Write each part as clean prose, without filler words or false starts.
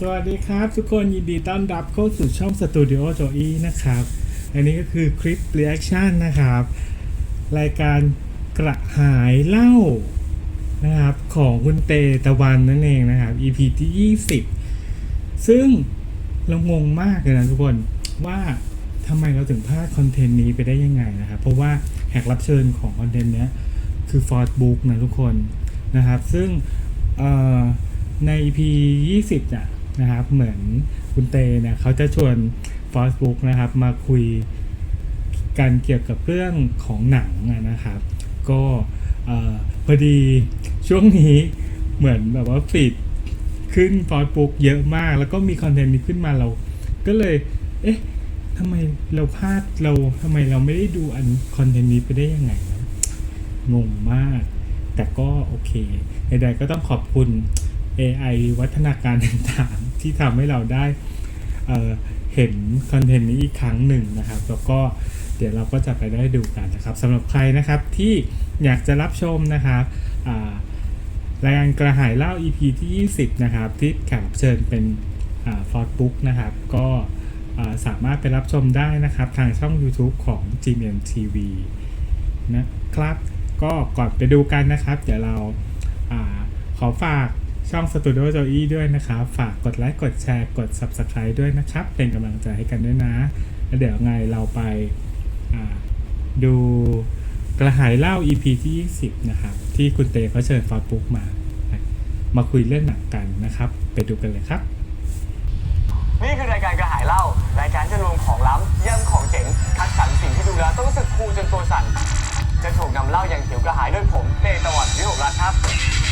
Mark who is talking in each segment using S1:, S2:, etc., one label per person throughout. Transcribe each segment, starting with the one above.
S1: สวัสดีครับทุกคนยินดีต้อนรับเข้าสู่ช่องสตูดิโอโจอี้นะครับอันนี้ก็คือคลิปเรีแอคชั่นนะครับรายการกระหายเหล้านะครับของคุณเตตะวันนั่นเองนะครับ EP ที่20ซึ่งเรางงมากเลยนะทุกคนว่าทำไมเราถึงพลาดคอนเทนต์นี้ไปได้ยังไงนะครับเพราะว่าแขกรับเชิญของคอนเทนต์นี้คือฟอร์ดบุ๊กนะทุกคนนะครับซึ่งใน EP 20นะครับเหมือนคุณเตเนี่ยเขาจะชวนฟอสบุ๊กนะครับมาคุยกันเกี่ยวกับเรื่องของหนังนะครับก็พอดีช่วงนี้เหมือนแบบว่าฟีดขึ้นฟอสบุ๊กเยอะมากแล้วก็มีคอนเทนต์นี้ขึ้นมาเราก็เลยทำไมเราพลาดทำไมเราไม่ได้ดูคอนเทนต์นี้ไปได้ยังไงนะงงมากแต่ก็โอเคใดๆก็ต้องขอบคุณAI วัฒนาการต่างๆที่ทำให้เราได้เห็นคอนเทนต์นี้อีกครั้งหนึ่งนะครับแล้วก็เดี๋ยวเราก็จะไปได้ดูกันนะครับสำหรับใครนะครับที่อยากจะรับชมนะครับรายการกระหายเหล้า EP ที่20นะครับที่แขกรับเชิญเป็นฟอร์ดบุ๊กนะครับก็สามารถไปรับชมได้นะครับทางช่อง YouTube ของ GMMTV นะครับก็ก่อนไปดูกันนะครับเดี๋ยวเราขอฝากช่อง Studio Joey ด้วยนะครับฝากกดไลค์กดแชร์กด Subscribe ด้วยนะครับเป็นกำลังใจให้กันด้วยนะแล้วเดี๋ยวไงเราไปดูกระหายเหล้า EP ที่20นะครับที่คุณเตเขาเชิญฟอร์ดบุ๊กมาคุยเรื่องหนังกันนะครับไปดูกันเลยครับ
S2: นี่คือรายการกระหายเหล้ารายการจะรวมของล้ำเยี่ยมของเจ๋งคัดสรรสิ่งที่ดูแล้วต้องรู้สึกคูลจนตัวสั่นจะถูกนำเหล้าอย่างหิวกระหายด้วยผมเตตะวันวิหกรัตน์ครับ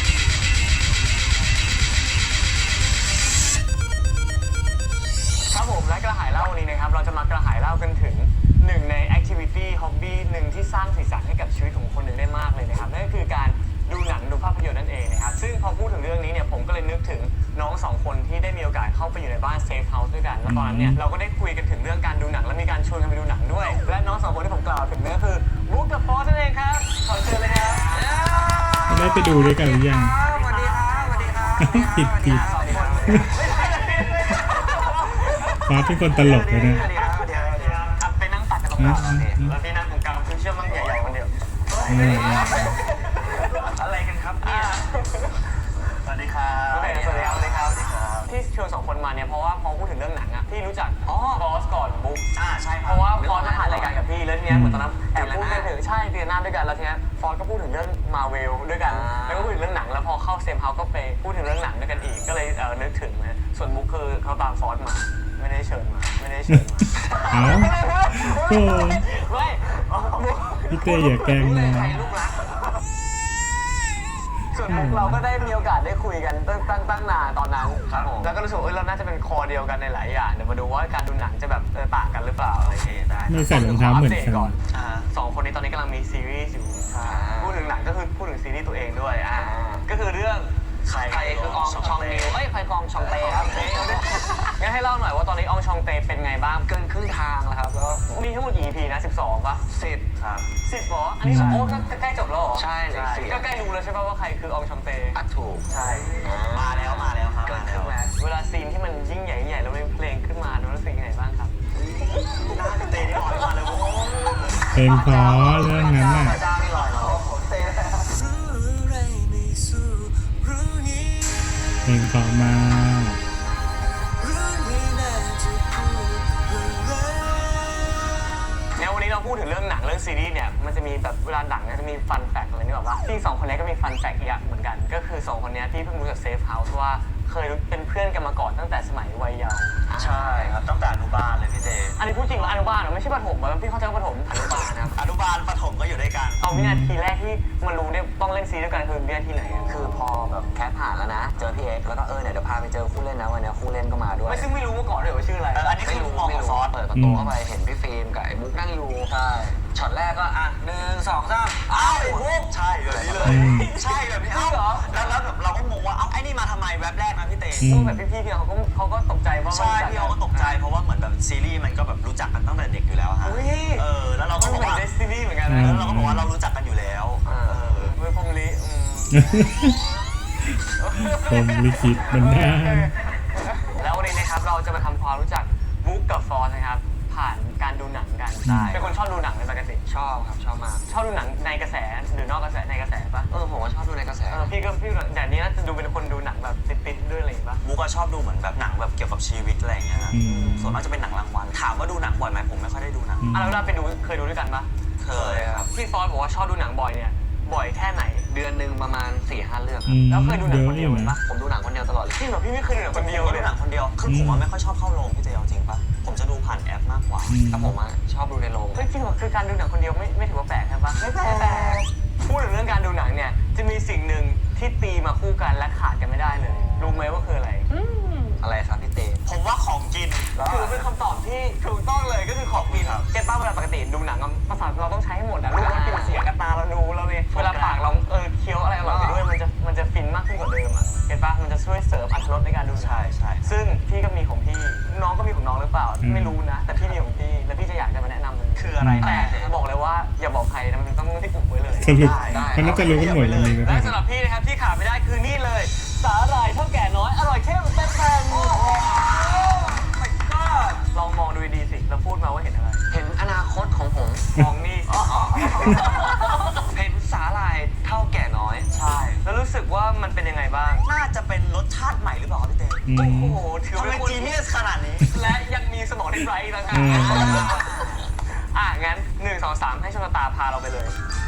S2: ครับผมและกระหายเหล้าวันนี้นะครับเราจะมากระหายเหล้ากันถึงหนึ่งในแอคทิวิตี้ฮ็อบบี้หนึ่งที่สร้างสีสันให้กับชีวิตของคนหนึ่งได้มากเลยนะครับนั่นก็คือการดูหนังดูภาพยนตร์นั่นเองนะครับซึ่งพอพูดถึงเรื่องนี้เนี่ยผมก็เลยนึกถึงน้องสองคนที่ได้มีโอกาสเข้าไปอยู่ในบ้านเซฟเฮาส์ด้วยกันแล้วตอนนั้นเนี่ยเราก็ได้คุยกันถึงเรื่องการดูหนังและมีการชวนกันไปดูหนังด้วยและน้องสองคนที่ผมกล่าวถึงนั่นก็คือบุ๊กกับฟอสนั่นเองครับขอเชิญเลยครับ
S1: ได้ไปดูด้วยกันหรือยัง
S2: สวัสดีครับสวัสดีครับ
S1: ผิดฟอสเป็นคนตลกเลยนะ
S2: ไปนั่งตัดกันตรงกลางแล้วพี่นั่งตรงกลางคือเชื่อมั่งใหญ่ๆคนเดียวอะไรกันครับเนี่ยสวัสดีครับสวัสดีครับที่เชิญสองคนมาเนี่ยเพราะว่าพอพูดถึงเรื่องหนังอ่ะพี่รู้จักบอสก่อนบุ๊กใช่เพราะว่าฟอสมาถ่ายรายการกับพี่แล้วทีนี้เหมือนตอนนั้นแอบพูดกันถึงใช่เรียนหน้าด้วยกันแล้วทีนี้ฟอสก็พูดถึงเรื่องมาเวลด้วยกันแล้วก็พูดถึงเรื่องหนังแล้วพอเข้าเซฟเฮาส์ก็ไปพูดถึงเรื่องหนังด้วยกันอีกก็เลยนึกถึงนะส่วนบุ๊กคือเขาตามฟอสมาไม่ได้เชิญมา
S1: โอ้
S2: ไม่
S1: พี่เต้อย่าแกล้งนะ
S2: ส่วนเราก็ได้มีโอกาสได้คุยกันตั้งนานตอนนั้นครับผมแล้วก็รู้สึกเราน่าจะเป็นคอเดียวกันในหลายอย่างเดี๋ยวมาดูว่าการดูหนังจะแบบต่างกันหรือเปล่าอะไรอย่างเงี้ยได้
S1: ไม่ใส่รองเท้าเหมือนกัน
S2: สองคนนี้ตอนนี้กำลังมีซีรีส์อยู่พูดถึงหนังก็คือพูดถึงซีรีส์ตัวเองด้วยก็คือเรื่องใครคืออองชองนิวใครกองชองเตครับงั้นให้เล่าหน่อยว่าตอนนี้อองชองเตเป็นไงบ้างเกินครึ่งทางแล้วครับแล้วมีทั้งหมดกี่ EP นะ12ป่ะ10ครับ10เหรออันนี้โอ้ใกล้จบแล้วเหรอใช่ก็ใกล้รู้แล้วใช่ป่ะว่าใครคืออองชองเตถูกใช่มาแล้วครับเกินครึ่งแล้วเวลาซีนที่มันยิ่งใหญ่แล้วมีเพลงขึ้นมารู้สึกยังไงบ้างครับน่าจะเตะที่ลอยมาเลย
S1: เพลงเพราะเรื่องนั้นน่ะเพลงเพราะมาก
S2: เนี่ยวันนี้เราพูดถึงเรื่องหนังเรื่องซีรีส์เนี่ยมันจะมีแบบเวลาหนังเนี่ยจะมีฟันแฟกต์อะไรนี่แบบว่าที่สองคนนี้ก็มีฟันแฟกต์อย่างเหมือนกันก็คือ2คนนี้ที่เพิ่งรู้จากเซฟเฮาส์ว่าเคยเป็นเพื่อนกันมาก่อนตั้งแต่สมัยวัยเยาว์ใช่ครับตั้งแต่อนุบาลเลยพี่เจอันนี้พูดจริงว่าอนุบาลไม่ใช่ประถมพี่เข้าใจว่าประถมอนุบาลนะครับอนุบาลประถมก็อยู่ด้วยกันเอาวินาทีแรกที่มารู้เนี่ยต้องเล่นซีด้วยกันคือวินาทีไหนคือพอแบบแคสผ่านแล้วนะเจอพี่เอ็กซ์แล้วก็เนี่ยเดี๋ยวพาไปเจอคู่เล่นนะวันนี้คู่เล่นก็มาด้วยซึ่งไม่รู้มาก่อนเลยว่าชื่ออะไรอันนี้คือมองซอสเปิดประตูเข้าไปเห็นพี่ฟิล์มกับไอ้บุ๊กนั่งอยู่ใช่ช็อตแรกก็1 2 3อ้าวไอ้บุ๊กใช่แบบนี้เลยใช่แบบนี้เหรอแล้วแบบเราก็งงว่าไอ้นี่มาทำไมแวบแรกนะพี่เต้แบบพี่เขาก็ตกใจว่าใช่พี่เขาก็ตกใจเพราะว่าเหมือนแบบซีรีส์มันก็แบบรู้จักกันตั้งแต่เด็กอยู่แล้วฮะแล้วเราก็บอกว่าซีรีส์เหมือนกันนะแล้วเราก็บอกว่าเรารู้จักกันอยู่แล้วเมื่อพงลิ
S1: ผมลิขิตมันได้
S2: แอสนะครับผ่านการดูหนังกัน
S3: ใช่
S2: เป็นคนชอบดูหนังในปกติ
S3: ชอบครับชอบมาก
S2: ชอบดูหนังในกระแสหรือนอกกระแสในกระแสปะ
S3: ผมก็ชอบดูในกระแส
S2: พี่อย่างนี้น่าจะดูเป็นคนดูหนังแบบติดๆด้วยอะไรอย่างงี้ปะ
S4: บุ๊กก็ชอบดูเหมือนแบบหนังแบบเกี่ยวกับชีวิตอะไรอย่างเงี้ยครับ
S1: อืม
S4: ส่วนมากจะเป็นหนังรางวัลถามว่าดูหนังบ่อยไหมผมไม่ค่อยได้ดูหนัง
S2: แล้วเวลาไปดูเคยดูด้วยกันปะ
S4: เคยครับ
S2: พี่ฟอสบอกว่าชอบดูหนังบ่อยเนี่ยบ่อยแค่ไหน
S3: เดือนหนึ่งประมาณ 4-5 เรื่อง
S1: อืม
S2: แล้วเคยดูหนังคนเดียวไหมปะ
S3: ผมดูหนังคนเดียวตลอดเลย
S2: พี่แบบพี่ไม่เคยดูหนังคนเดียว
S4: ผม
S2: เล
S4: ดู
S2: ย
S4: หนังคนเดียวคือผมว่าไม่ค่อยชอบเข้าโรงพี่เจเอาจริงปะผมจะดูผ่านแอปมากกว่า
S1: อืม
S3: แต่ผมชอบดูในโรง
S2: เฮ้ยจริงเหรอคือการดูหนังคนเดียวไม่ถือว่าแปลกใช่ปะไม่แปลกพูดถึงเรื่องการดูหนังเนี่ยจะมีสิ่งหนึ่งที่ตีมาคู่กันและขาดกันไม่ได้เลยรู้ไหมว่าคืออะไร
S3: อะไรครับพี่เต้
S4: ผมว่าของกิน
S2: ถือเป็นคำตอบที่ถูกต้องเลยก็คือของกิน
S4: ครับ
S2: เก็ตป้าเวลาปกติดูหนังอะประสาทเราต้องใช้ให้หมดอะรูมันปิดเสียงกับตาเราดูเราเลยเวลาปากเราเคี้ยวอะไรอร่อยไปด้วยมันจะฟินมากขึ้นกว่าเดิมอะเก็ตป้ามันจะช่วยเสริมอรรถรสในการดูหนัง
S4: ใช่ใช่
S2: ซึ่งพี่ก็มีของพี่น้องก็มีของน้องหรือเปล่า
S1: อืม
S2: ไม่รู้นะ แต่พี่มีของพี่และพี่จะอยากจะมาแนะนำมัน
S4: คืออะไร
S2: แต่บอกเลยว่าอย่าบอกใครนะมันต้องที่อุบไว้เลย
S1: สรุป
S3: ได้
S1: มันน่าจะรู้กันหมดเลยนะค
S2: และ
S1: รับ
S2: สำหรับพี่นะครับที่ขาดไม่ได้คือนี่เลยสาหร่ายเท่าแก่น้อยอร่อยเข้มเต็มแผ่นลองมองดูดีๆสิแล้วพูดมาว่าเห็นอะไร
S3: เห็นอนาคตของผม
S2: มองนี่สิ
S3: เห็นสาหร่ายเท่าแก่น้อย
S4: ใช่
S2: แล้วรู้สึกว่ามันเป็นยังไงบ้าง
S4: น่าจะเป็นรสชาติใหม่หรือเปล่าครับพี่เต้
S1: อื
S2: โอ้
S1: ม
S2: โหถือ
S4: ทำไม
S2: เป็นคน
S4: จีเนียสขนาดนี้
S2: และยังมีสมองที่ไร้ต่างหาก
S1: อืม
S2: งั้น1 2 3ให้ชมตาพาเราไปเลย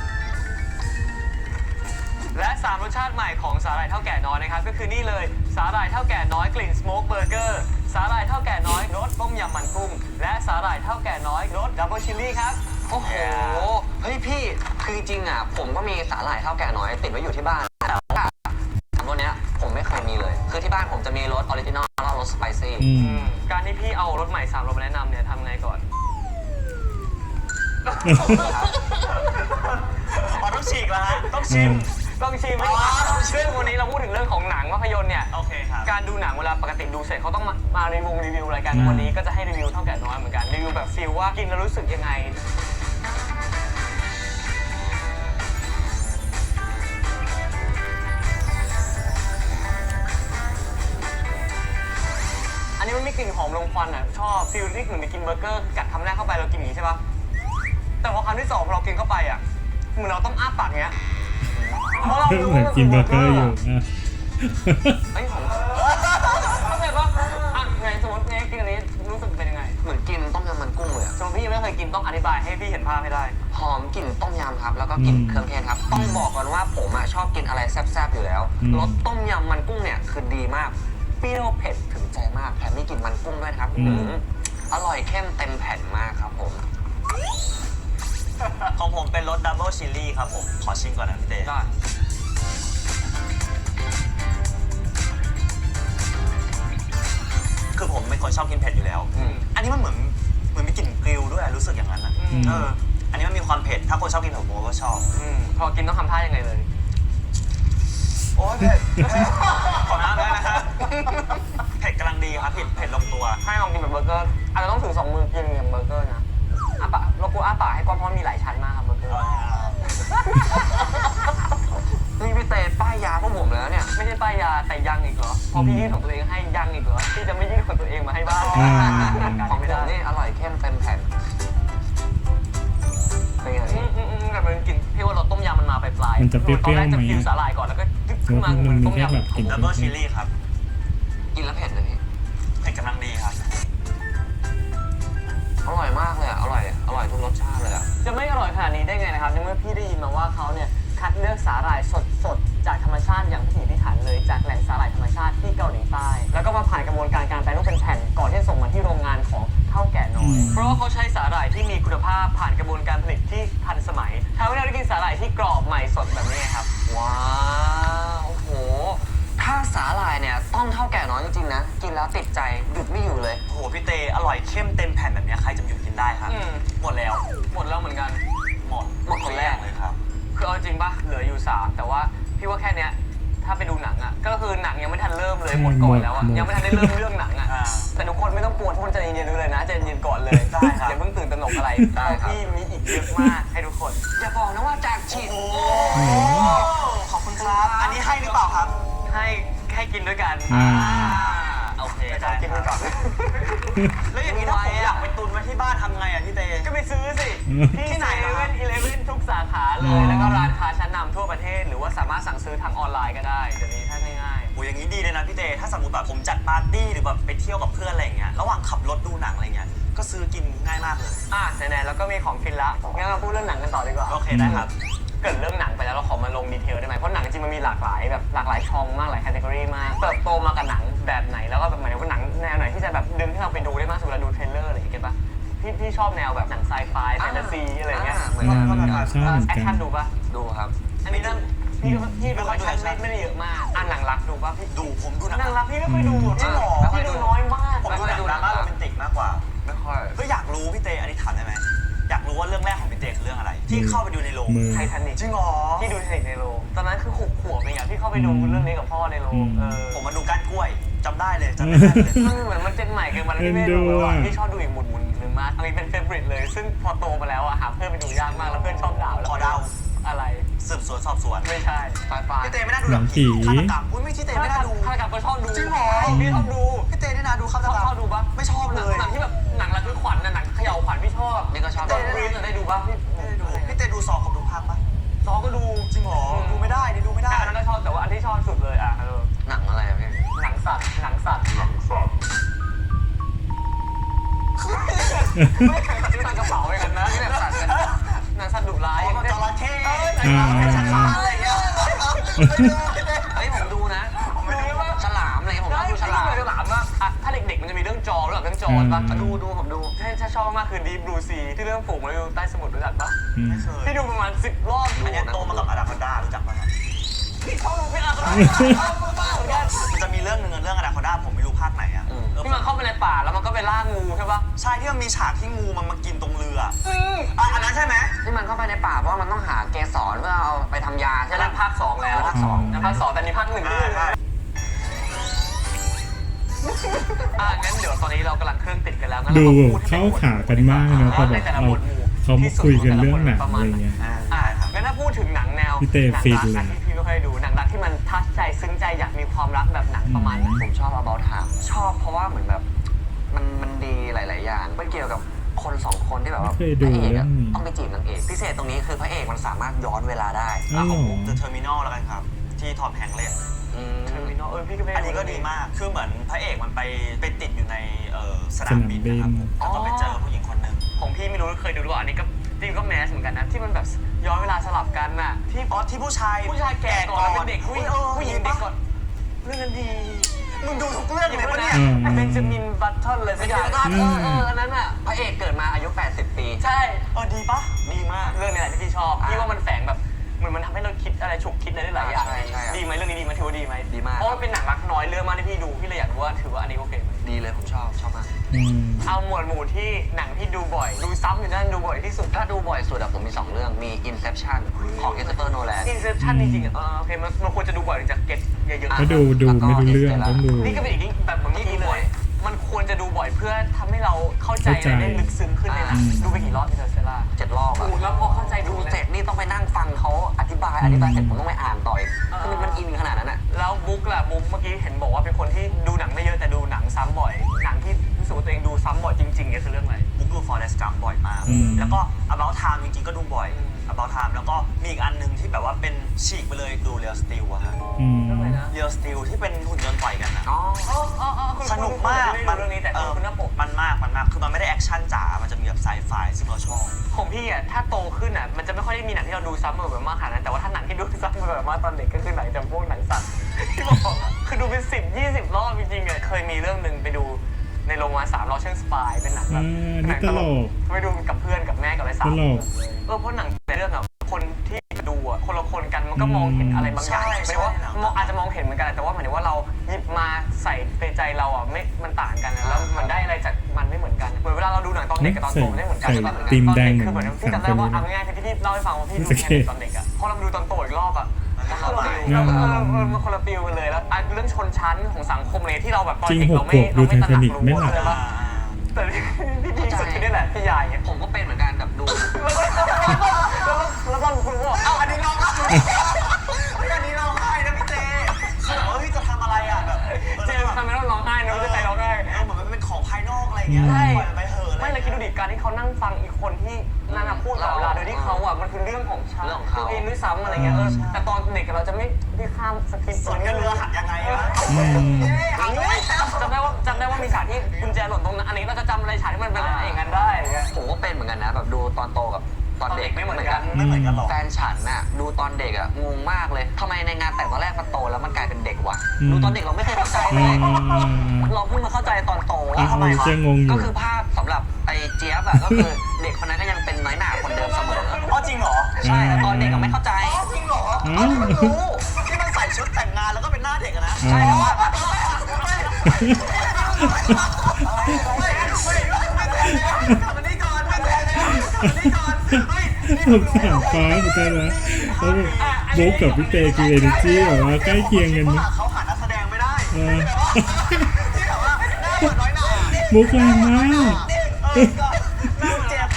S2: และ3รสชาติใหม่ของสาหร่ายเท่าแก่น้อยนะครับก็คือนี่เลยสาหร่ายเท่าแก่น้อยกลิ่นสโมกเบอร์เกอร์สาหร่ายเท่าแก่น้อยรสต้มยำมันกุ้งและสาหร่ายเท่าแก่น้อยรสดับเบิลชิลลี่ครับ
S3: โอ้โห เฮ้ยพี่ คือจริงๆผมก็มีสาหร่ายเท่าแก่น้อยติดไว้อยู่ที่บ้าน แต่ว่าสามรสเนี้ยผมไม่เคยมีเลย คือที่บ้านผมจะมีรสออริจินอลแล้วรสสไปซี่
S1: อืม
S2: การที่พี่เอารสใหม่3รสมาแนะนำเนี่ยทำไงก่อน
S4: อ๋อต้องฉีกแล้วฮะต้องชิม
S2: ต้องชิมไหมซึ่งวันนี้เราพูดถึงเรื่องของหนังภาพยนตร์เนี่ย
S4: โอเคครับ
S2: การดูหนังเวลาปกติดูเสร็จเขาต้องมารีวิวรายการ
S1: อืม
S2: วันนี้ก็จะให้รีวิวเท่าแก่น้อยเหมือนกันรีวิวแบบฟีลว่ากินแล้วรู้สึกยังไงอันนี้มันไม่กลิ่นหอมลงควันอ่ะชอบฟีลที่เหมือนไปกินเบอร์เกอร์กัดคำแรกเข้าไปเรากินอย่างนี้ใช่ปะแต่พอคำที่สองพอเรากินเข้าไปอ่ะเหมือนเราต้องอ้าปากเงี้ยเพราะเรารู้
S1: เหมือนกินเบอร์เกอร์อยู่อ่ะ
S3: เฮ้ยผม
S2: เข้าใจปะไงสมมติไงกินอันนี้รู้สึกเป็นยังไง
S3: เหมือนกินต้มยำมันกุ้งเลยอะ
S2: สมมติพี่ยังไม่เคยกินต้องอธิบายให้พี่เห็นภาพให้ได้
S3: หอมกลิ่นต้มยำครับ แล้วก็กลิ่น
S1: อืม
S3: เครื่องเทศครับ ต้องบอกก่อนว่าผมชอบกินอะไรแซ่บๆอยู่แล้ว
S1: อืม
S3: รสต้มยำมันกุ้งเนี่ยคือดีมาก เปรี้ยวเผ็ดถึงใจมาก แถมมีกลิ่นมันกุ้งด้วยนะครับ
S1: อืม
S3: อร่อยเข้มเต็มแผ่นมากครับผม
S4: ของผมเป็นรสดับเบิลชิลลี่ครับผม ขอชิมก่อนนะพี่เต้
S2: ได้
S4: คือผมเป็นคนชอบกินเผ็ดอยู่แล้ว อันนี้มันเหมือนมีกลิ่นกริลด้วยรู้สึกอย่างนั้นอ่ะ
S2: อืม
S4: อันนี้มันมีความเผ็ด ถ้าคนชอบกินเผ็ดผมก็ชอบ
S2: พอกินต้องทำท่ายังไงเลย
S4: โอ้ยเผ็ด ขอน้ำได้นะครับ เผ็ดกำลังดีครับเผ็ดลงตัว
S2: ให้ลองกินแบบเบอร์เกอร์อาจจะต้องถือ2 มือกินอย่างเบอร์เกอร์นะอ้าปากเรากูอ้าปากให้กว้างเพราะมันมีหลายชั้นมากครับเบอร์เกอร์
S3: นี่พี่เตป้ายยาพวกผมแล้วเนี่ย
S2: ไม่ใช่ป้ายยาแต่ยังอีกเหรอพอพี่ยื่นของตัวเองให้ยังอีกเหรอพี่จะไม่ยื่นของตัวเองมาให้บ้าง
S1: อ่า
S3: ของผมนี่อร่อยเข้มเต็มแผ่น เป็นไงพี่
S2: แต่มันกลิ่นพี่ว่ารสต้มยำมันมาปลายๆ
S1: มันจะเปรี้ยวๆ
S2: ตอนแรกจะ
S1: ไหม
S2: กินสาหร่ายก่อนแล้วก็ขึ้นมาเหมือนต้มยำ
S1: แบบกลิ่น
S4: ดับเบิลชิลลี่ครับ
S3: กินแล้วเผ็ดเลยพี่
S4: เผ็ดกำลังดีครับ
S3: อร่อยมากเลยอะอร่อยทุกรสชาติเลยอะ
S2: จะไม่อร่อยขนาดนี้ได้ไงนะครับในเมื่อพี่ได้ยินมาว่าเขาเนี่ยคัดเลือกสาหร่ายสดๆจากธรรมชาติอย่างพิถีพิถันเลยจากแหล่งสาหร่ายธรรมชาติที่เกาหลีใต้แล้วก็มาผ่านกระบวนการแปรรูปเป็นแผ่นก่อนที่จะส่งมาที่โรงงานของเท่าแก่น้อยเพราะว่าเขาใช้สาหร่ายที่มีคุณภาพผ่านกระบวนการผลิตที่ทันสมัยทำให้เราได้กินสาหร่ายที่กรอบใหม่สดแบบนี้ไงครับ
S3: ว้าวโอ้โห ถ้าสาหร่ายเนี่ยต้องเท่าแก่น้อยจริงๆนะ กินแล้วติดใจหยุดไม่อยู่เลย
S4: โอ้โหพี่เตอร่อยเข้มเต็มแผ่นแบบเนี้ยใครจะหยุดกินได้ครับ หมดแล้ว
S2: หมดแล้วเหมือนกัน
S4: หมดคนแรกเลยครับ
S2: คือเอาจริงปะเหลืออยู่3แต่ว่าพี่ว่าแค่เนี้ยถ้าไปดูหนังอ่ะก็คือหนังยังไม่ทันเริ่มเลยหมดก่อนแล้วอ่ะ
S1: หมด
S2: ยังไม่ทันได้เริ่มเรื่องหนังอ่ะ
S4: อ่า
S2: แต่ทุกคนไม่ต้องกลัวทุกคนใจเย็นๆเลยนะใจเย็นๆก่อนเลย
S4: ได้ครับ
S2: อย่าเพิ่งตื่นตระหนกอะไร
S3: ได้ครับ
S2: พี่มีอีกเยอะมากให้ทุกคน
S3: อย่าบอกนะว่าจากฉีด
S4: โอ้ขอบคุณครับ อันนี้ให้หรือเปล่าครับ
S2: ให้กินด้วยกัน
S1: อ่า
S4: โอเค
S2: จะ
S4: ได้
S2: กิน
S4: ค
S2: ด้วยกั
S4: รั
S2: น
S4: บแล้วอย่างนี้ถ้าผมอยากไป
S2: ที่ไหนเว่นอีเลฟเว่นทุกสาขาเล
S1: อ๋
S2: ย
S1: อ
S2: แล้วก็ร้านค้าชั้นนำทั่วประเทศ หรือว่าสามารถสั่งซื้อทางออนไลน์ก็ได้เดี๋ยวนี้ถ้าง่าย
S4: โอ้ยอย่างนี้ดีเลยนะพี่เจถ้าสมมติแบบผมจัดปาร์ตี้หรือแบบไปเที่ยวกับเพื่อนอะไรอย่างเงี้ยระหว่างขับรถดูหนังอะไรเงี้ยก็ซื้อกินง่ายมากเลย
S2: ไหนๆแล้วก็มีของฟินละงั้นเราพูดเรื่องหนังกันต่อดีกว่า
S4: โอเคได้ครับ
S2: เกิดเรื่องหนังไปแล้วเราขอมาลงดีเทลได้ไหมเพราะหนังจริงมันมีหลากหลายแบบหลากหลายช่องมากหลายแคตตากรีมากเติบโตมากับหนังแบบไหนแล้วก็แบบหมายถึงว่าหนังแนวไหนที่จะแบบดึงให้เราไปดูได้มากสุดเวลาดูเทรลเลอร์อะไรอย่างเงี้ยเก็ตปะพี่ชอบแนวแบบหนังไซไฟแฟนตาซีอะไรเงี้ย
S3: เหมือนกันเหมือนกัน
S1: ใช่เหมือน
S2: แอค
S1: กั
S2: ชั่
S1: น
S2: นดูปะ
S3: ดูครับ
S2: อันนี้เรื่องพี่ดูแอคชั่นไม่ได้เยอะมากหนังรักดูปะพี่
S4: ดูผมดูหนัง
S2: หนังรักพี่ไม่ค่อยดู
S4: จริงเหรอ
S2: พี่ดูน้อยมาก
S4: ผมดูหนังดราม่าโรแมนติกมากกว่า
S3: ไม่ค่อย
S4: ก็อยากรู้พี่เจอันนี้ถามได้ไหมอยากรู้ว่าเรื่องแรกของพี่เจคือเรื่องอะไร ที่เข้าไปดูในโรง
S1: มือ
S2: ไททานิก
S4: จริงเหรอ
S2: พี่ดูไททานิกในโรงตอนนั้นคือ6 ขวบเองอะพี่เข้าไปดูเรื่องนี้กับพ่อในโรง
S4: ผมมาดูก้านกล้วยจำได้เลยจำได้เลย
S2: มันเหมือนมันเจนใหม่เกินมาแล้วพี่ไม่ดูแล้วอะพี่ชอบดูอีกหมุนหนึ่งมากอันนี้เป็นเฟเวอริตเลย ซึ่งพอโตมาแล้วอะหาเพื่อนไปดูยากมากแล้วเพื่อนชอบด่าแล้ว
S4: ขอเดา
S2: อะไร
S4: สืบสวนสอบสวน
S2: ไม่ใช่
S3: ไฟไฟ
S4: พี่เจไม่น่าดู
S1: หนังผี
S4: ฆาตกรรมอุ้ยไม่ใช่เจไม่น่าดู
S2: ฆาตกรรมก็ชอบดู
S4: จริงเหรอ
S2: พี่ชอบดู
S4: พี่เจนี่นะดูฆาตกรรม
S2: ชอบดูปะ
S4: ไม่ชอบเลย
S2: หนังที่แบบหนังระทึกขวัญหนังเขย่าขวัญพี่ชอบ
S3: นี่ก็ชอบ
S2: ตอนบรีฟได้ดูปะพี่
S4: ไม่ได้ดูพี่เจดูซอผมดูภาคปะ
S2: ซอก็ดู
S4: จริงเหรอดูไม่ได้นี่ดูไม่ได้
S2: อันนั้นก็ชอบแต่ว่าอันที่ชอบสุดเลยอะ
S3: หนังอะไรอะพี่
S2: หนังสัตว์หนังสัตว์ไม่เคยซื้อหนังกระเป๋าเลยกันนะที่แบบสัตว์กันหนังสัตว์ดุร้าย
S4: อ๋อจระเข้
S3: อะไรเงี้ยเฮ้ยผมดูนะ
S4: ผมไม่ดูว่า
S3: ฉลามอะไรเงี้ยผมชอบดูฉลาม
S2: ฉลามว่าถ้าเด็กๆมันจะมีเรื่องจอรู้จักเรื่องจอป่ะดูผมดูถ้าชอบมากคือ Deep Blue Sea ที่เรื่องฝูงมาอยู่ใต้สมุทรรู้จักปะ
S1: อืม
S4: ไม่เคย
S2: พี่ดูประมาณ10 รอบ
S4: อันเนี้ยโตมากับอนาคอนดารู้จักปะครับ
S2: พี่ชอบดูพี่อาร์ตบ้าเหมือนกัน
S4: มันจะมีเรื่องหนึ่งเรื่องอนาคอนดาผมไม่รู้ภาคไหนอ่ะ
S2: ที่มันเข้าไปในป่าแล้วมันก็ไปล่างูใช่ปะ
S4: ใช่ที่มันมีฉากที่งูมันมากินตรงเรืออ่ะอันนั้นใช่ไหม
S3: ที่มันเข้าไปในป่าเพราะว่ามันต้องหาเกสรเพื่อเอาไปทำยาใช่
S2: จะ
S3: ไหม
S2: นั่นภาค 2 แล้ว
S3: ภาคสอง
S2: ภาค 2แต่นี่ภาค 1ด้วย
S4: ใช่
S2: งั้นเดี๋ยวตอนนี้เรากำลังเครื่องติดกันแล้วงั้น
S1: ดู
S2: เราพูด
S1: เข้าขากันมากนะพอแบบเอาเขามาคุยกันเรื่องหนังอะไรเงี้ย
S2: งั้นถ้าพูดถึงหนังแนว
S1: พี่เต้
S2: หนั
S1: ฟิน
S2: รัก
S1: เลย
S2: นะที่พี่ไม่ค่อยดูหนังรักที่มันทัชใจซึ้งใจอยากมีความรักแบบหนังประมาณไหน
S3: ผมชอบ About Time ชอบเพราะว่าเหมือนแบบมันดีหลาย ๆ อย่างมันเกี่ยวกับคนสองคนที่แบบว่า
S1: ไม่เคย
S3: พ
S1: ดู
S3: ระเอก
S1: เรื่
S3: อะ
S1: องนี้
S3: ต้องไปจีบนางเอกพิเศษตรงนี้คือพระเอกมันสามารถย้อนเวลาได้
S1: อ๋อ
S4: ของผม The Terminal แล้วกันครับ ที่ทอมแฮงค์เล่น
S2: เทอร์มินอลพี่ก็ไม่
S4: อันนี้ก็ดีมาก คือเหมือนพระเอกมันไปติดอยู่ในสนามบินนะครับผมแล้วก็ไปเจอผู้หญิงคนหนึ่ง
S2: ของพี่ไม่รู้เคยดูหรือเปล่าอันนี้ก็จริงก็แมสเหมือนกันนะที่มันแบบย้อนเวลาสลับกันน่ะที่
S4: อ๋อที่ผู้ชาย
S2: แก่ก่อนแล้วเป็นเด็กผู้หญิง
S4: เออ
S2: ผู้หญิงเด็กก่อนเรื่องนั้นดี
S4: มึงดูทุกเรื่องเลยปะเนี่ย
S2: เบนจามินบัตเทิลเลยสักอย่าง
S3: อันนั้นอ่ะพระเอกเกิดมาอายุ 80 ปี
S2: ใช่
S4: ดีปะดีมาก
S2: เรื่องนี้แหละที่พี่ชอบพี่ว่ามันแฝงแบบเหมือนมันทำให้เราคิดอะไรฉุกคิดอะไรได้หลายอย่าง
S3: ใช่ใช่
S2: ดีไหมเรื่องนี้ดีไหมถือว่าดีไหม
S3: ดีมาก
S2: เพราะว่าเป็นหนังรักน้อยเรื่องมากที่พี่ดูพี่เลยอยากรู้ว่าถือว่าอันนี้โอเคไหม
S3: ดีเลยผมชอบมาก
S1: อืม
S2: เอาหมวดหมู่ที่หนังที่ดูบ่อย ดูซ้ำอยู่นั่นดูบ่อยที่สุด
S3: ถ้าดูบ่อยสุดอะผมมี 2 เรื่องมี Inception ของ Christopher Nolan
S2: Inception จริงๆโอเคมันควรจะดูบ่อยถึงจะเก็ตเยอะๆ
S1: ก็ดูไม่รู้เรื่องต้องดู
S2: นี่ก็เป็นอีกแบบเหมือนเมื่อกี้เลย มันควรจะดูบ่อยเพื่อทำให้เราเข้าใจ
S1: เข้าใจ
S2: และได้ลึกซึ้งขึ้นในหนังดูไปกี่รอบที่เธอเซล่า
S3: 7 รอบอะ
S2: ดูแล้วพอเข้าใจ
S3: ดูเสร็จนี่ต้องไปนั่งฟังเขาอธิบายเสร็จผมต้องไปอ่านต่ออีกคือมันอินขนาดนั้นอะ
S2: แล้วบุ๊กล่ะบุ๊กเมื่อกี้เห็นบอกว่าเป็นคนที่ดูหนังไม่เยอะแต่ดูหนังซ้ำบ่อย หนังที่รู้สึกว่าตัวเองดูซ้ำบ่อยจริงๆเนี่ยคือเรื่องอะไร
S4: บุ๊กดู Forrest Gump บ่อยมาก
S1: อืม
S4: แล้วก็ About Time จริงๆก็ดูบ่อย About Time แล้วก็มีอีกอันหนึงที่แบบว่าเป็นฉีกไปเลยดู Real Steel อะฮะ
S1: อืม
S2: เรื่องอะไรนะ
S4: Real Steel ที่เป็นหุ่นยนต์ต่อยกันอะ
S3: อ๋อ
S4: สนุกมาก
S2: ไม่ได้ดูเรื่องนี้แต่คุณหน้าปก
S4: มันมาก คือมันไม่ได้แอคชั่นจ๋า มันจะมีแบบไซไฟซึ่งเราชอบ
S2: ของพี่อ่ะถ้าโตขึ้นอ่ะมันจะไม่ค่อยได้มีหนังที่เราดูซ้ำแบบมากขนาดนั้นแต่ว่าถ้าหนังที่ดูซ้ำแบบมากตอนเด็กก็คือหนังจำพวกหนังสัตว์ที่บอกอะคือดูเป็น10-20 รอบจริงๆอ่ะเคยมีเรื่องหนึ่งไปดูในโรงมา3 รอบเช่นสปายเป็นหนังแบบ
S1: นี่ตลก
S2: ไปดูกับเพื่อนกับแม่กับอะไรสาม
S1: ตลก
S2: เพราะหนังในเรื่องอ่ะคนที่ดูอ่ะคนละคนกันมันก็มองเห็นอะไรบางอย่าง
S4: ใช่
S2: หมายถึงว่ามองอาจจะมองเห็นเหมือนกันแต่ว่าหมายถึงว่าเราหยิบมาใส่ในใจเราอ่ะไม่มันต่างกันนะแล้วมันได้อะไรจากมันไม่เหมือนกันเหมือนเวลาเราดูหนังตอนเด็กกับตอนโตไม่ได้เหมือนกัน
S1: ใส่
S2: ใช่ปะ
S1: ตีมแดง
S2: คือเหมือนพี่จำได้ว่าเอาง่ายๆคือที่พี่เล่าให้ฟังว่าพี่ดูแค่ตอนเด็กอ่ะพอเรามาดูตอนโตอีกรอบอ่ะมันคนละฟิลมันคนละฟิลกันเลยแล้วเรื่องชนชั้นของสังคมเลยที่เราแบบตอน
S1: จริง
S2: เด็ก
S1: หก
S2: เราไม่
S1: ขวบดู
S2: เราไม่ตระหนัก
S1: Titanic ไม่หลับ
S2: เลยว่าแต่ที่ดีสุดคือนี่แหละพี่ยายเนี่ย
S3: ผมก็เป็นเหมือนกันแบบดู
S2: แล้วก็คุณบอกเอ้าอันนี้น้องอ่ะ
S4: อันนี้ร้องไห้นะพี่เจคือแบบว่าพี่จะทำอะไรอ่ะแบบ
S2: เจมส์ทำไมต้องร้องไห้นะไม่ได้ใจร้องไห้
S4: เหมือนมันเป็นของภายนอกอะไรเงี้ย
S2: ใช่
S4: ปล่อยมันไปเหอะอะไร
S2: ไม่เลยคิดดูดิตุการณ์ที่เขานั่งฟังอีกคนที่นั่นน่ะพูดกับเราโดยที่เขาอ่ะมันคือเรื่องของฉัน
S3: เรื่องของเขา
S2: ตัวเองด้วยซ้ำอะไรเงี้ยแต่ตอนเด็กเราจะไม่ข้ามสคริปต์
S4: ส่วนกันเรือหักยังไงวะ
S1: อืม
S2: จำได้ว่ามีฉากที่กุญแจหล่นตรงนั้นอันนี้เราจะจำอะไรฉากที่มันเป็นอะไรอย่างนั้นได้อย่างเงี้ย
S3: ผมก็เป็นเหมือนกันนะแบบดูตอนโตกับตอนเด็ก
S2: ไม่เหมือนกัน
S4: ไม่เหมือนกันหรอก
S3: แฟนฉันน่ะดูตอนเด็กอ่ะงงมากเลยทำไมในงานแต่งตอนแรกมันโตแล้วมันกลายเป็นเด็กวะดูตอนเด็กเราไม่เคยเข้าใจเลย เราเพิ่งมาเข้าใจตอนโตว่าทำไม
S1: จะงงอยู่
S3: ก็คือภาพสำหรับไอ้เจี๊ยบอะก็คือเด็กคนนั้นก็ยังเป็นน้อยหน่าคนเดิมเสมอ
S4: อ๋อจริงเหรอ
S3: ใช่แต่ตอนเด็กก็ไม่เข้าใจ
S4: อ๋อจริงเหรอ
S1: อ๋อ
S4: อ๋อมันรู้ที่มันใส่ชุดแต่งงานแล้วก็เป็นหน้าเด็กอะนะ
S1: อ๋อ
S3: ใช่แต่ว่า
S4: มันนี่ก่อนมันนี่ก่อนเฮ้ย
S1: ผมสามฟ้าเหมือนกันนะแล้วแบบโบ๊กกับพี่เตคือเอเนจีแบบว่าใกล้เคียงกันนะ
S4: เขาหานักแสดงไม่ได้
S1: เออ
S4: ที่แบบว่าหน้าเหมือนน้อยหน่า
S1: มุกแรงมาก
S4: หน้าเจ็บ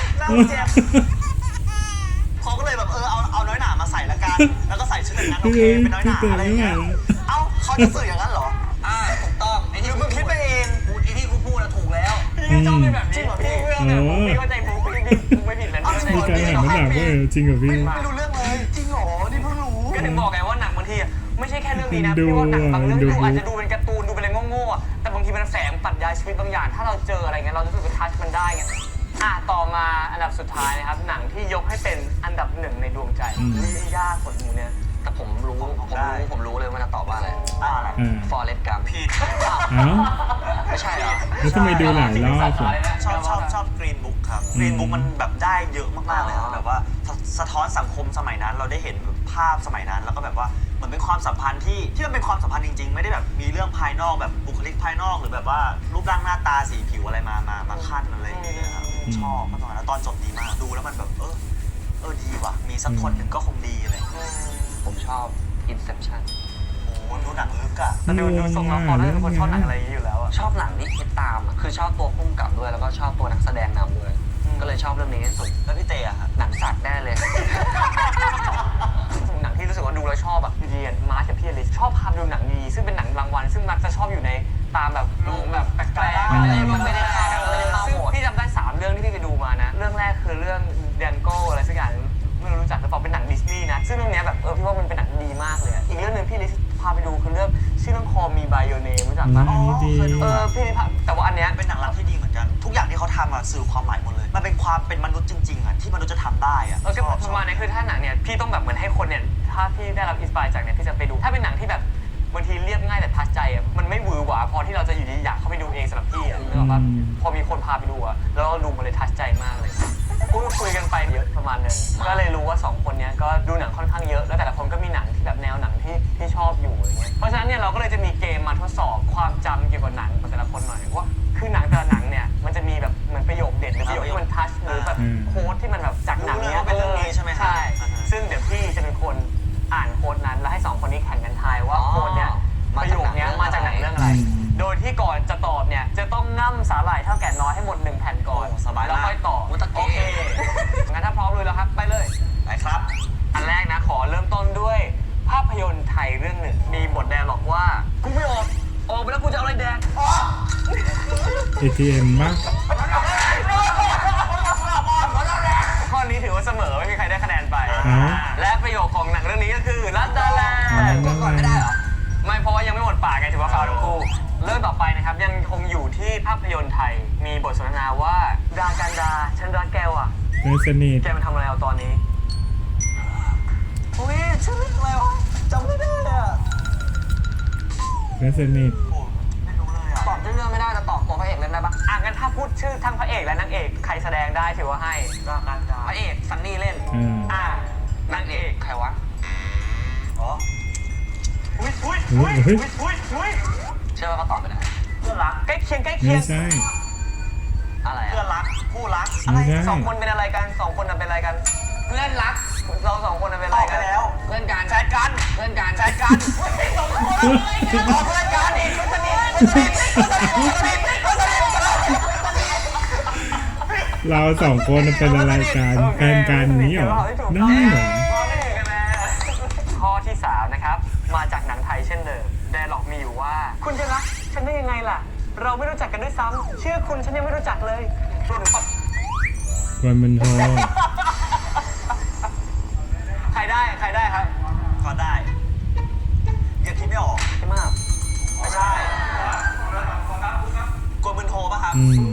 S4: เขาก็เลยแบบเอาน้อยหน่ามาใส่ละกันแล้วก็ใส่ชุดแต่งงานโอเคเป็นน้อยหน่าอะไรเงี้ยเอ้าเขาจะสื่ออย่างนั้นเหรอ
S3: ถูกต้องไอ้
S4: ห
S3: ที่
S4: รือมึงคิดไปเอง
S3: ไอ้ที่กูพูดอะถูกแล้ว
S2: พี่ชอบเป็นแบบนี้เหรอพี่เรื่องเนี่ยพี่เข้าใจบุ๊กพี่ไม่ผิดเลยพี่
S1: มีการหันมาหนักด้วยจริงเหรอพี่
S4: ไม่รู้เรื่องเลยจริงเหรอนี่เพิ่งรู้
S2: ก็ถึงบอกไงว่าหนังบางทีไม่ใช่แค่เรื่องนี้นะพี่ว่าหนังบางเรื่องดูอาจจะดูเป็นการ์ตูนดูเป็นอะไรโง่ๆแต่บางทีมันแฝงปรัชญาชีวิตบางอย่างถ้าเราเจออะไรเงี้ยเราจะรู้สึกว่าทัชมันได้ไงต่อมาอันดับสุดท้ายนะครับหนังที่ยกให้เป็นอันดับหนึ่งในดวงใจยากกดมูเนี่ย
S3: แต่ผมรู้เลยว่าจะตอบว่าอะไร
S4: อะไร
S1: อ่า
S3: ฟอร์เรสต์กัม
S4: ผิด
S1: เอ้า
S3: ไม่ใช่เหรอ
S1: แล้วทำไมดูหลายรอบอ่ะ
S4: ชอบกรีนบุ๊กครับกรีนบุ๊กมันแบบได้เยอะมากๆเลยครับแบบว่าสะท้อนสังคมสมัยนั้นเราได้เห็นภาพสมัยนั้นแล้วก็แบบว่าเหมือนเป็นความสัมพันธ์ที่มันเป็นความสัมพันธ์จริงๆไม่ได้แบบมีเรื่องภายนอกแบบบุคลิกภายนอกหรือแบบว่ารูปร่างหน้าตาสีผิวอะไรมาขั้นอะไรอย่างเงี้ยครับชอบตอนนั้นตอนจบดีมากดูแล้วมันแบบดีว่ะมีสักคนหนึ่งก็คงดีเลย
S3: ผมชอบ Inception
S4: โอ้โหดูหนังลึกอ่ะ
S2: แต่ดูทรงแล้วพอได้เป็นคนชอบหนังอะไรอย่างนี้อยู่แล้วอะ
S3: ชอบหนังที่คิดตามอะคือชอบตัวพุ่มกับด้วยแล้วก็ชอบตัวนักแสดงนำด้วย ก็เลยชอบเรื่องนี้ที่สุด
S4: แล้วพี่เตอะครับ
S3: หนังสัตว์แน่เลย
S2: หนังที่รู้สึกว่าดูแล้วชอบอะอยู่ดีมาร์คกับพี่อลิสชอบพาดูหนังดีซึ่งเป็นหนังรางวัลซึ่งมักจะชอบอยู่ในตามแบบโรงแบบแปลกๆอะไรมันไม่ได้เข้าซึ่งพี่จำได้3เรื่องที่พี่ไปดูมานะเรื่องแรกคือเรื่องเดนโก้อะไรสักอย่างไม่รู้จักหรือเปล่าเป็นหนังดิสนีย์นะซึ่งเรื่องนี้แบบพี่ว่ามันเป็นหนังดีมากเลยอีกเรื่องนึงพี่ลิสพาไปดูคือเรื่องชื่อเรื่อง Call Me by Your Name รู้จักปะ
S1: อันนี้ดี
S2: พี่แต่ว่าอันเนี้ย
S4: เป็นหนังรักที่ดีเหมือนกัน ทุกอย่างที่เขาทำอะสื่อความหมายหมดเลย มันเป็นความเป็นมนุษย์จริงๆอะที่มนุษย์จะทำได้อะ
S2: ก็ประมาณนี้คือถ้าหนังเนี่ยพี่ต้องแบบเหมือนให้คนเนี่ยถ้าพี่ได้รับอินสปายจากเนี่ยพี่จะไปดูถ้าเป็นหนังที่แบบบางทีเรียบง่ายแต่ทัชใจอ่ะมันไม่หวือหวาพอที่เราจะอยู่ดีอยากเข้าไปดูเองสำหรับพี่อ่ะนึกออกปะพอมีคนพาไปดูอ่ะแล้วเราดูมันเลยทัชใจมากเลยคุยกันไปเยอะประมาณนึงก็เลยรู้ว่า2คนเนี้ยก็ดูหนังค่อนข้างเยอะแล้วแต่ละคนก็มีหนังที่แบบแนวหนังที่ชอบอยู่อะไรเงี้ยเพราะฉะนั้นเนี่ยเราก็เลยจะมีเกมมาทดสอบความจำเกี่ยวกับหนังของแต่ละคนหน่อยว่าคือหนังแต่ละหนังเนี่ยมันจะมีแบบเหมือนประโยคเด็ดหรือประโยคที่มันทัชหรือแบบโค้ดที่มันแบบจากหนังเนี้ย
S4: เป็นเรื่องนี้ใช่ไหมครับ
S2: ใช่ ซึ่งเดี๋ยวพี่จะเป็นคนอ่านโค้ดนั้นแล้วให้2คนนี้แข่งกันทายว่าโค้ดเนี้ยประโยคเนี้ยมาจากหนังเรื่องอะไร โดยที่ก่อนจะตอบเนี่ยจะต้องง่ำสาหร่ายเท่าแก่น้อยให้หมด1แผ่นก่อน
S4: สบายมาก
S2: แล้วค่อยตอบ
S3: มุตะเกะ
S2: โอเคงั้นถ้าพร้อมเลยแล้วครับไปเลย
S4: ไปครับ
S2: อันแรกนะขอเริ่มต้นด้วยภาพยนตร์ไทยเรื่องหนึ่งมีบทแดร์ล็อกว่ากูไม่ออกไปแล้วกูจะเอาอะไรแดง
S1: ATM มาก
S2: ข้อนี้ถือว่าเสมอไม่มีใครได้คะแนนไป
S1: อ้าว
S2: และประโยคของหนังเรื่องนี้ก็คือรัตดาแลนด์
S3: กดก่อนไม่ได้เหรอ
S2: ไม่เพราะว่ายังไม่หมดปากไงถือว่าฟาวทั้งคู่เรื่องต่อไปนะครับยังคงอยู่ที่ภาพยนตร์ไทยมีบทสนทนาว่าดากันดาฉันรักแกว่ะ
S1: เนื้อสนิท
S2: แกมาทำอะไรเอาตอนนี้
S4: อุ้ยชื่อเรื่องอะไรวะจำไม่ได้อะ
S1: เนื้อสนิท
S4: โอ้ไม่รู้เลยอะ
S3: ตอบชื่อเรื่องไม่ได้แต่ตอบตัวพระเอกเล่นได้ปะ
S2: งั้นถ้าพูดชื่อทั้งพระเอกและนางเอกใครแสดงได้ถือว่าให้
S4: รากันดา
S3: พระเอกซันนี่เล่น
S2: นางเอก
S3: ใครวะ
S4: อ๋ออุ้ย
S3: เชื่อว่าเขาตอบไปได้
S4: เพื่อนรัก
S2: ใกล้เคียง
S1: ไม่ใช่
S3: อะไร
S4: เพื่อน
S3: อะ
S4: รักคู่รักอะไร
S1: ไม่ใช่
S2: สองคนเป็นอะไรกันสองคนเป็นอะไรกัน
S3: เพื่อนรัก
S2: เราสองคนเป็น
S4: ต
S2: อะ
S4: อ
S2: ไร
S4: บไป
S2: กัน
S4: แล้ว
S3: เพื่อนกัน
S4: แฟนกัน
S3: เพื่อนกัน
S4: แฟนกันสองคนตอบเพื่อนกันอีกคนสนิทคนสนิทคนสนิทคนสนิทคนสนิท
S1: เรา2คนเป็นอะไรกันแฟนกันนี้เหรอได้เหรอ
S2: ข้อที่ 3 นะครับ มาจากหนังไทยเช่นเดิมไดร็อกมีอยู่ว่า คุณจะรักฉันได้ยังไงล่ะ เราไม่รู้จักกันด้วยซ้ำเชื่อคุณฉันยังไม่รู้จักเลยรวมถึง
S1: วนมันโท
S2: ใครได้ครับ
S4: ก็ได้ยังคิดไม่ออก
S2: พี่มาก
S4: ไม่ใช่กวนมึนโทป่ะครับ
S1: อืม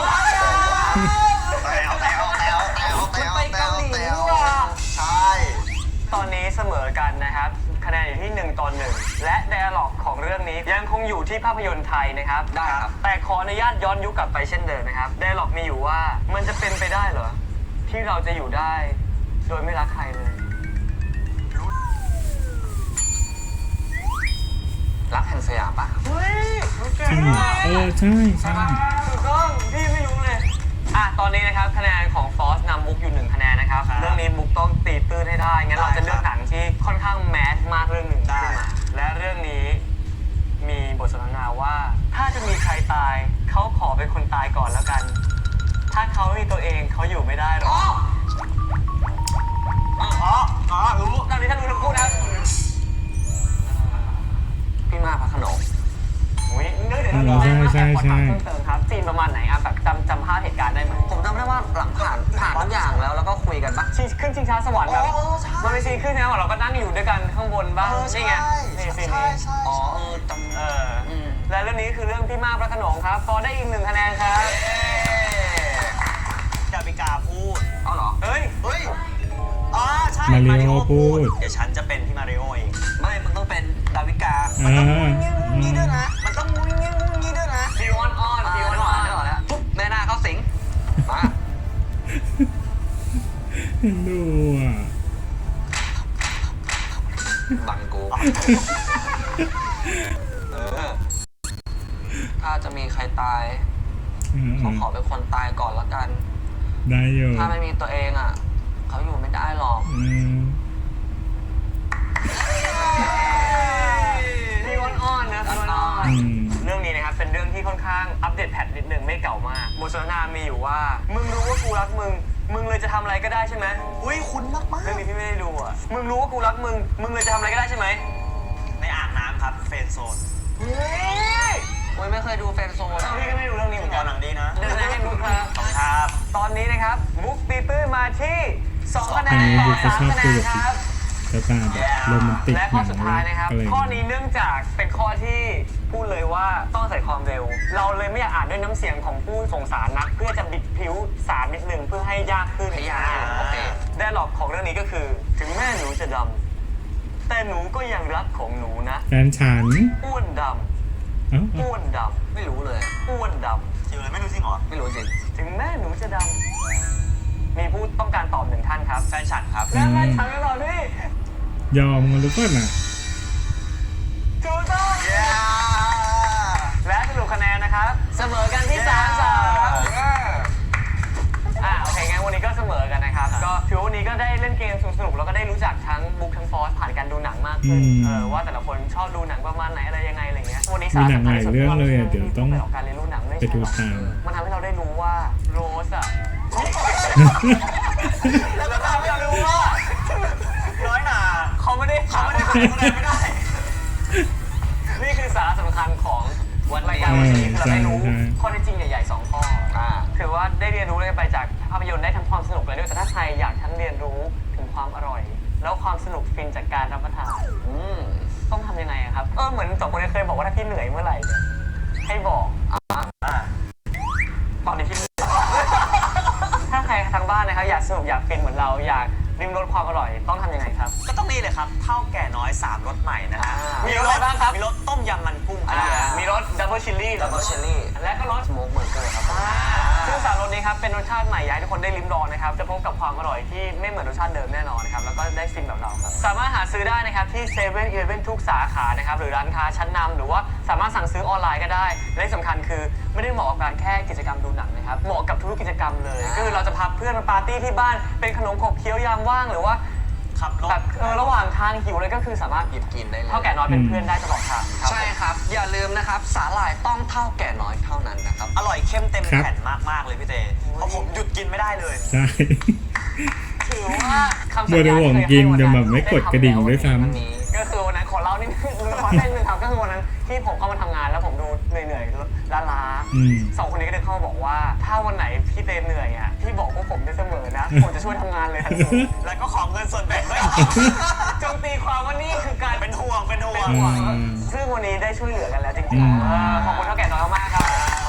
S2: ไปเกาหลีนี่หว่า
S4: ใช่
S2: ตอนนี้เสมอกันนะครับ คะแนนอยู่ที่1-1 และไดอะล็อกของเรื่องนี้ยังคงอยู่ที่ภาพยนตร์ไทยนะครับ
S3: ได้ครับ
S2: แต่ขออนุญาตย้อนยุคกลับไปเช่นเดิมนะครับไดอะล็อกมีอยู่ว่ามันจะเป็นไปได้เหรอ ที่เราจะอยู่ได้ โดยไม่รักใครเลย
S3: รักแห่งสยามปะ
S2: เฮ้ยรู้เก่
S1: จริ
S2: ง
S1: งเหรอ
S2: มาก
S1: ใช่ใช่
S2: ถูกต้องพี่ไม่รู้เลยตอนนี้นะครับคะแนนของฟอสนำมุกอยู่1คะแนนนะครับ
S4: ครับ
S2: เรื่องนี้มุกต้องตีตื้นให้ได้งั้นเราจะเลือกหนังที่ค่อนข้างแมสมากเรื่องหนึ่ง
S4: ได้
S2: ขึ้นมาและเรื่องนี้มีบทสนทนาว่า ถ้าจะมีใครตายเขาขอเป็นคนตายก่อนแล้วกัน ถ้าเขาไม่มีตัวเองเขาอยู่ไม่ได้หรอก
S4: รู้
S2: ตอนนี้ท่านรู้ทั้งคู่นะครับ
S3: พี่มากพระโขนง
S2: อุ้ยนึกเดี๋ยวเราได้มาแต่ขอถามเพิ่มเติมครับซีนประมาณไหนแบบจำภาพเหตุการณ์ได้ไหม
S3: ผมจำได้ว่าหลังผ่านทุกอย่างแล้วก็คุยกันปะ
S2: ขึ้นชิงช้าสวรรค์แบบ
S4: ใช่
S2: มันเป็นซีนขึ้นนะเราก็นั่งอยู่ด้วยกันข้างบนบ้างนี่ไงนี่ซีนนี้
S3: อ๋อจำ
S2: และเรื่องนี้คือเรื่องพี่มากพระโขนงครับพอได้อีก1คะแนนครับ
S4: ดาวิกาพูด
S3: เอาเหรอ
S2: เฮ้ย
S4: เฮ้ยใช่
S1: มาริโอพูด
S4: เดี๋ยวฉันจะเป็นพี่มาริโอเอง
S3: ไม่มึงต้องเป็นดาวิกา
S1: อ่า
S4: นี่ด้วยนะ มันต้องมุ้งงี้มุ้งงี้ด้วยนะ
S2: พี่วอนออนพี่วอนออน
S3: ได้หรอแล้วปุ๊บแม่นาเข้าสิงมา
S1: เห็นดูอ่ะ
S3: บังกูถ้าจะมีใครตายเขาขอเป็นคนตายก่อนละกัน
S1: ได้อยู่
S3: ถ้าไม่มีตัวเองอ่ะเขาอยู่ไม่ได้หรอก
S2: พี่วอนออนนะพี่วอนออน เรื่องนี้นะครับเป็นเรื่องที่ค่อนข้างอัปเดตแพทนิดนึงไม่เก่ามากบทสนทนามีอยู่ว่ามึงรู้ว่ากูรักมึงเลยจะทำอะไรก็ได้ใช่ไหม
S4: อุ้ยคุ้นมาก
S2: เรื่องนี้พี่ไม่ได้ดูอ่ะมึงรู้ว่ากูรักมึงเลยจะทำอะไรก็ได้ใช่ไหม
S4: ๆในอ่างน้ำครับเฟรนด์โซน
S2: เฮ้ย
S3: โอ้ยไม่เคยดูแฟนโซน
S2: พี่ก็ไม่ดูเรื่องนี้เหมือน
S4: ต
S2: กั
S4: อน นหนังดีนะ
S2: เดินให้มุกครับ
S4: ครับ
S2: ตอนนี้นะครับมุกตีตื้นมาที่2คะแน
S1: อัน
S2: น
S1: นี้
S2: ต่
S1: ดู
S2: อ
S1: ก็ชอบ
S2: 3คะแน
S1: ดู
S2: น
S1: แบบ
S2: ครับ
S1: กระตาแบบโรแมนติก
S2: และ
S1: ห
S2: ข้อ
S1: นัง
S2: สุดท้ายนะครับ
S1: อะไร
S2: ข้อนี้เนื่องจากเป็นข้อที่พูดเลยว่าต้องใส่ความเร็ว เราเลยไม่อยากอ่านด้วยน้ำเสียงของผู้ส่งสารนักเพื่อจะบิดผิวสารนิดนึงเพื่อให้ยากขึ้น
S3: พยายามโอเค
S2: ไดอะล็อกของเรื่องนี้ก็คือ ถึงแม่หนูจะดำแต่หนูก็ยังรักของหนูนะ
S1: แฟนฉัน
S2: อ้วนด
S1: เอ้า
S2: ำอ้วนด
S3: ไม่รู้เลย
S2: ำอ้วนด
S4: คิวเลยไม่รู้จริงเหรอ
S3: ไม่รู้จริง
S2: ำถึงแม่หนูจะดำมีผู้ต้องการตอบ1ท่านครับ
S4: แฟนฉันครับ
S2: และแม่ฉันก็ตอบนี่
S1: ยอมกันหรือเปล่าน่ะ
S2: ถูกต้องและสรุปคะแนนนะครับ เสมอกันที่3-3โอเคงั้นวันนี้ก็เสมอกันนะครับ ก็ถือว่าวันนี้ก็ได้เล่นเกมสนุกๆแล้วก็ได้รู้จักทั้งบุ๊กทั้งฟอสผ่านการดูหนังมากขึ้นว่าแต่ละคนชอบดูหนังประมาณไหนอะไรยังไงอะไรเงี้ยวันนี้สาระสำคัญที่สุดของการเรียนรู้หนังไม่
S1: ไป
S2: ใช่
S1: ดู
S2: หรอก
S1: ตาม
S2: มันทำให้เราได้รู้ว่าโรสอะแล้วก็ทำให้เรารู้ว่า
S4: น้อยหนา
S2: เขาไม่ได้
S4: ไม่ได้
S2: นี่คือสาระสำคัญของรายการวันนี้คือเราได้รู้ข้อเท็จจริงใหญ่ๆ2ข้อคือว่าได้เรียนรู้อะไรไปจากภาพยนตร์ได้ทั้งความสนุกเลยด้วยแต่ถ้าใครอยากทั้งเรียนรู้ถึงความอร่อย แล้วความสนุกฟินจากการรับประทานต้องทำยังไงอะครับเหมือน2คนเคยบอกว่าถ้าพี่เหนื่อยเมื่อไหร่เนี่ยให้บอกตอนนี้พี่ถ้าใครทางบ้านนะครับอยากสนุกอยากฟินเหมือนเราอยากริมรสความอร่อยต้องทำยังไงครับ
S4: ก็ต้องนี่เลยครับเท่าแก่น้อย3รสใหม่นะฮะ
S2: มีรสอะไรบ้างครับ
S4: มีรสต้มยำมันกุ้งครับ
S2: มีรสดับเบิลชิลลี่
S3: ดับเบิลเชอรี่
S2: และก็รส
S3: สโมกเบอร์เกอร์ครับ
S2: ซึ่งสามรสนี้ครับเป็นรสชาติใหม่อยากให้ทุกคนได้ลิ้มลองนะครับจะพบกับความอร่อยที่ไม่เหมือนรสชาติเดิมแน่นอนนะครับแล้วก็ได้ฟินแบบเราครับสามารถหาซื้อได้นะครับที่7 e เ e ่ e อทุกสาขานะครับหรือร้านค้าชั้นนำหรือว่าสามารถสั่งซื้อออนไลน์ก็ได้และที่สำคัญคือไม่ได้เหมาะกับการแค่กิจกรรมดูหนังนะครับเหมาะกับทุกกิจกรรมเลยก็คือเราจะพาเพื่อนมาปาร์ตี้ที่บ้านเป็นขนมขบเคี้ยวยามว่างหรือว่า
S4: ขับรถ
S2: แบบระหว่างทางหิวเลยก็คือสามารถ
S3: หยิบกินได้เลย
S2: เท่าแก่น้อยเป็นเพื่อนได้ตลอดทางครับ
S3: ใช่ครับ อย่าลืมนะครับสาหร่ายต้องเท่าแก่น้อยเท่านั้นนะครับ
S4: อร่อยเข้มเต็มแผ่นมากๆเลยพี่เตเพราะผมหยุดกินไม่ได้เลย
S1: ใช่
S2: ถือว่าคำสั
S1: บัว
S2: ญ
S1: ใน
S2: ญา
S1: ห่วง
S2: ที่เคย
S1: กิน
S2: ให้วัน
S1: จะ
S2: นั้น
S1: แบบไม่กดกระดิ่งด้วยซ้
S3: วันนี้
S2: ก็คือวันนั้นขอเล่านิดนึงขอเล่านิดนึงครับก็คือวันนั้นที่ผมเข้ามาทำงานแล้วผมดูเหนื่อยๆล้า
S1: อืม
S2: ๆ2 คนนี้ก็เดินเข้ามาบอกว่า ถ้าวันไหนพี่เตเหนื่อยอ่ะพี่บอกพวกผมด้วยเสผมจะช่วยทำงานเลยทันที
S4: แล้วก็ขอเงินส่วนแบ่งด้วย
S2: จงตีความว่านี่คือการ
S4: เป็นห่วงเป็นห่วง
S1: อืม
S2: ซึ่งวันนี้ได้ช่วยเหลือกันแล้วจริ
S1: อื
S2: ง
S1: ม
S2: ๆขอบคุณเท่าแก่น้อยมากๆครับ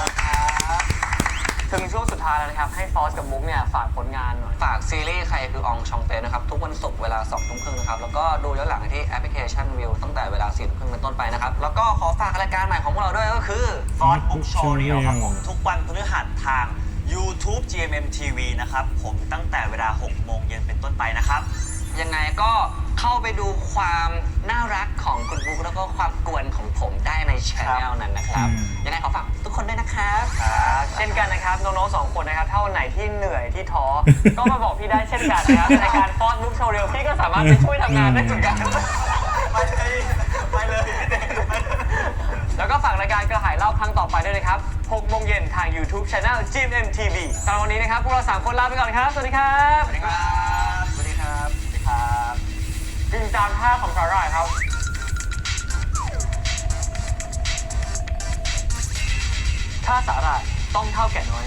S2: ถึงช่วงสุดท้ายแล้วนะครับให้ฟอสกับมุกเนี่ยฝากผลงานหน่อย
S3: ฝากซีรีส์ใครคืออองชองเตนะครับ ทุกวันศุกร์เวลา 20:30 นะครับ แล้วก็ดูย้อนหลังที่แอปพลิเคชันวิวตั้งแต่เวลา 4:30 เป็นต้นไปนะครับ แล้วก็ขอฝากรายการใหม่ของพวกเราด้วยก็คือ
S4: ฟอสบุ๊กโชว์เรียวครับผมทุกวันพฤหัสทาง YouTube GMM TV นะครับผมตั้งแต่เวลา 6 โมงเย็นเป็นต้นไปนะครับ
S3: ยังไงก็เข้าไปดูความน่ารักของคุณบุ๊กแล้วก็ความกวนของผมได้ในช anel นั้นนะครับ ยังไงขอฝากทุกคนด้วยนะครับ
S2: เช่นกันนะครับน้องๆสองคนนะครับถ้าวันไหนที่เหนื่อยที่ท้อ ก็มาบอกพี่ได้เช่นกันนะครับรายการฟอสบุ๊กโชว์เรียวพี่ก็สามารถไปช่วยทำงานได้เหมือนกัน
S4: ไปเลย
S2: แล้วก็ฝากรายการกระหายเล่าครั้งต่อไปด้วยนะครับ 6 โมงเย็นทาง YouTube Channel GMM TV สำหรับวันนี้นะครับพวกเรา 3 คนลาไปก่อนครับ สวัสดีครับ
S4: สวัสดีครับ สวัสดีครับ สวัสดีครับ
S2: กินตามท่าของสาหร่ายครับ ถ้าสาหร่ายต้องเท่าแก่น้อย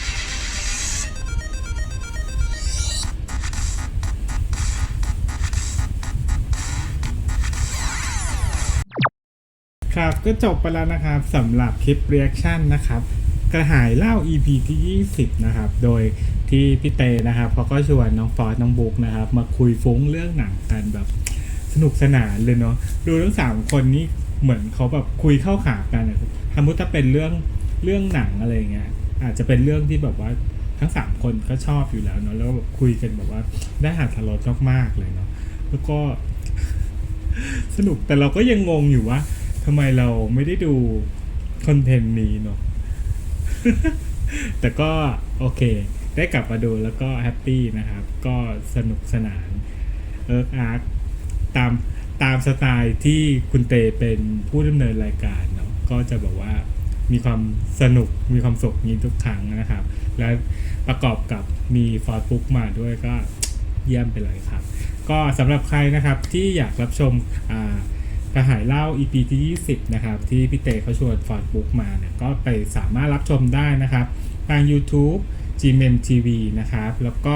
S1: ครับก็จบไปแล้วนะครับสำหรับคลิป reaction นะครับกระหายเล่า EP ที่ 20 นะครับ โดยที่พี่เตนะครับเขาก็ชวนน้องฟอสน้องบุ๊กนะครับมาคุยฟุ้งเรื่องหนังกันแบบสนุกสนานเลยเนาะดูทั้ง3คนนี้เหมือนเขาแบบคุยเข้าขากันอะสมมติถ้าเป็นเรื่องหนังอะไรเงี้ยอาจจะเป็นเรื่องที่แบบว่าทั้ง3คนก็ชอบอยู่แล้วเนาะแล้วแบบคุยกันแบบว่าได้หัดทะเลาะมากๆเลยเนาะแล้วก็ สนุกแต่เราก็ยังงงอยู่ว่าทำไมเราไม่ได้ดูคอนเทนต์นี้เนาะ แต่ก็โอเค ได้กลับมาดูแล้วก็แฮปปี้นะครับ ก็สนุกสนานอาร์ตตามสไตล์ที่คุณเตเป็นผู้ดำเนินรายการเนาะก็จะแบบว่ามีความสนุกมีความสุขนี้ทุกครั้งนะครับ และประกอบกับมีฟอร์ดบุ๊กมาด้วยก็เยี่ยมไปเลยครับ ก็สำหรับใครนะครับที่อยากรับชมกระหายเล่า EP ที่ 20 นะครับที่พี่เตเขาชวนฟอร์ดบุ๊กมาเนี่ยก็ไปสามารถรับชมได้นะครับทาง YouTube GMM TV นะครับแล้วก็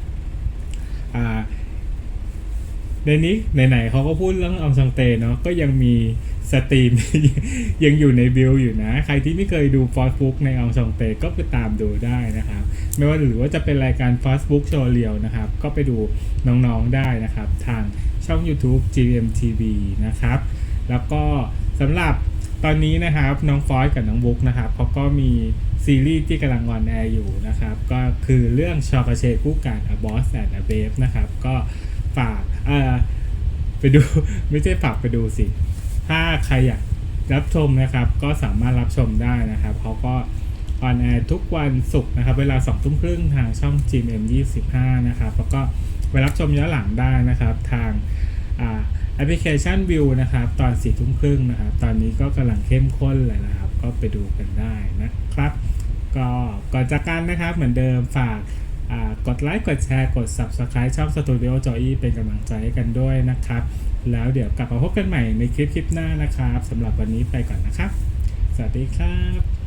S1: ในนี้ไหนๆเขาก็พูดเรื่องอองซังเตเนาะก็ยังมีสตรีม ยังอยู่ในบิลอยู่นะใครที่ไม่เคยดูฟอร์ดบุ๊กในอองซังเตก็ไปตามดูได้นะครับไม่ว่าหรือว่าจะเป็นรายการฟอร์ดบุ๊กโชว์เรียวนะครับก็ไปดูน้องๆได้นะครับทางช่อง YouTube GMM TV นะครับแล้วก็สำหรับตอนนี้นะครับน้องฟอสกับน้องบุ๊กนะครับเขาก็มีซีรีส์ที่กำลังออนแอร์อยู่นะครับก็คือเรื่องชอกาเชคู่กัน A Boss and a Babe นะครับก็ฝากไปดู ไม่ใช่ฝากไปดูสิถ้าใครอยากรับชมนะครับก็สามารถรับชมได้นะครับเขาก็ออนแอร์ทุกวันศุกร์นะครับเวลา 20:30 ทางช่อง GMM 25นะครับแล้วก็ไปรับชมย้อนหลังได้นะครับทางแอปพลิเคชันวิวนะครับตอน 4:30 นะครับตอนนี้ก็กำลังเข้มข้นเลยนะครับก็ไปดูกันได้นะครับก็ก่อนจากกันนะครับเหมือนเดิมฝากกดไลค์กดแชร์กด Subscribe ช่อง Studio Joy เป็นกำลังใจให้กันด้วยนะครับแล้วเดี๋ยวกลับมาพบกันใหม่ในคลิปหน้านะครับสำหรับวันนี้ไปก่อนนะครับสวัสดีครับ